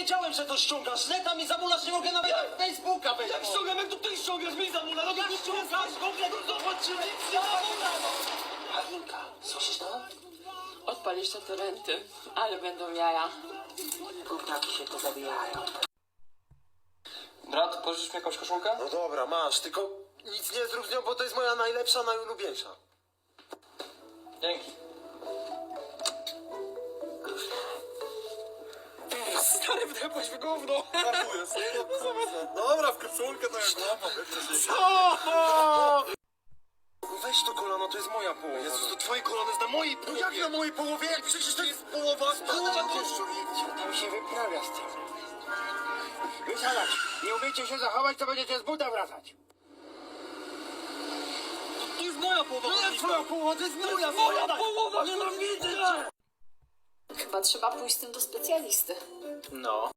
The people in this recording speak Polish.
wiedziałem, że to ściągasz. Neta mi zamulasz, nie mogę nawet Facebooka wejść. Jak ściągam, jak to ty ściągasz, mi zamula, no jak ściągasz, zobaczymy, Halinka, słyszysz to? Odpalisz te torenty, ale będą jaja. Gównaki się to zabijają. Brat, pożyczysz mi jakąś koszulkę? No dobra, masz, tylko nic nie zrób z nią, bo to jest moja najlepsza, najulubieńsza. Dzięki. Stary, wdepłeś w gówno. Żartuję sobie. Dobra, w koszulkę to jak łamam. Co? Weź to kolano, to jest moja połowa. Jezus, to twoje kolano jest na mojej połowie. Jak na mojej połowie? Jak przecież to jest połowa. Połowa Tam się wyprawia z tym. Wysiadać! Nie umiecie się zachować, to będziecie z buta wracać. To jest moja połowa, To jest twoja połowa, to jest moja połowa, Nienawidzę cię. Chyba trzeba pójść z tym do specjalisty. No.